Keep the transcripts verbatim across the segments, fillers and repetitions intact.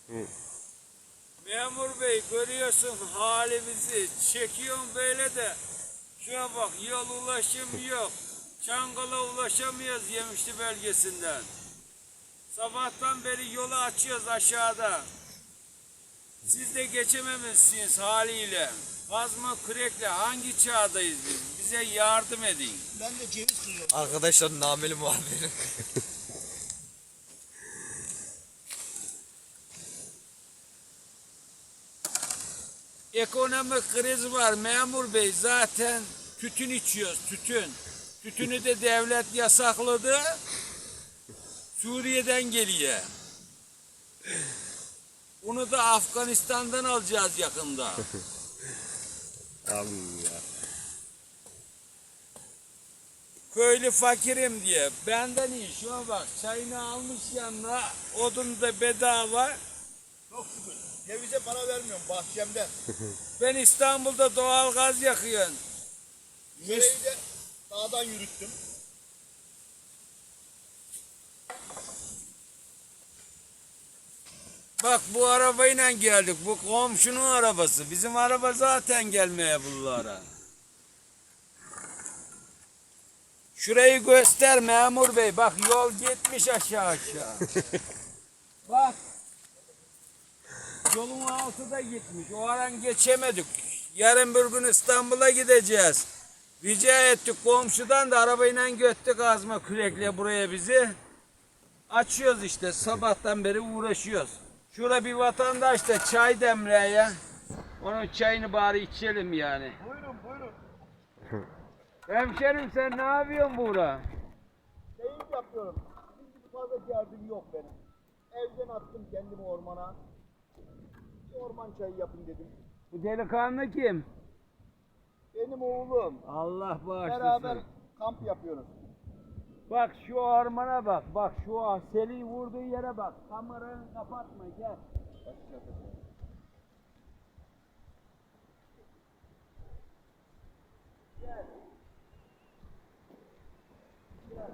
Memur bey görüyorsun halimizi, çekiyorsun böyle de. Şuna bak, yol ulaşım yok. Çangal'a ulaşamıyoruz Yemişli bölgesinden. Sabahtan beri yolu açıyoruz aşağıda. Siz de geçememişsiniz haliyle. Kazma kürekle hangi çağdayız biz? Bize yardım edin. Ben de ceviz kırıyorum. Arkadaşlar nameli muhabiri. Ekonomik kriz var memur bey, zaten tütün içiyoruz, tütün. Tütünü de devlet yasakladı. Suriye'den geliyor. Bunu da Afganistan'dan alacağız yakında. Amin ya. Köylü fakirim diye. Benden iyi. Şuna bak, çayını almış yanına, odun da bedava. Çok şükür. Cevize para vermiyorum bahçemden. Ben İstanbul'da doğal gaz yakıyorum. Yüreği de dağdan yürüttüm. Bak bu arabayla geldik. Bu komşunun arabası. Bizim araba zaten gelmeye bunlara. Şurayı göster memur bey. Bak yol gitmiş aşağı aşağı. Bak. Yolun altı da gitmiş. O aran geçemedik. Yarın bir gün İstanbul'a gideceğiz. Rica ettik komşudan da arabayla göttük azma kürekle buraya bizi. Açıyoruz işte. Sabahtan beri uğraşıyoruz. Şurada bir vatandaş da çay demleye. Onun çayını bari içelim yani. Buyurun buyurun. Hemşerim sen ne yapıyorsun burada? Keyif yapıyorum. Sizin gibi fazla derdim yok benim. Evden attım kendimi ormana. Bir orman çayı yapın dedim. Bu delikanlı kim? Benim oğlum. Allah bağışlasın. Beraber kamp yapıyoruz. Bak şu ormana bak. Bak şu seli vurduğu yere bak. Kameranı kapatma gel. Gel. Gel.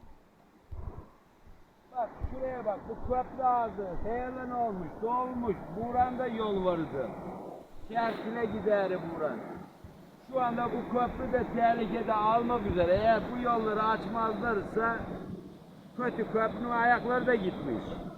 Bak şuraya bak. Bu köprü ağzı. Heyelan olmuş. Dolmuş. Buranda yol vardı. Şerkine gider buran. Şu anda bu köprü de tehlikede almak üzere. Eğer bu yolları açmazlarsa kötü, köprünün ayakları da gitmiş.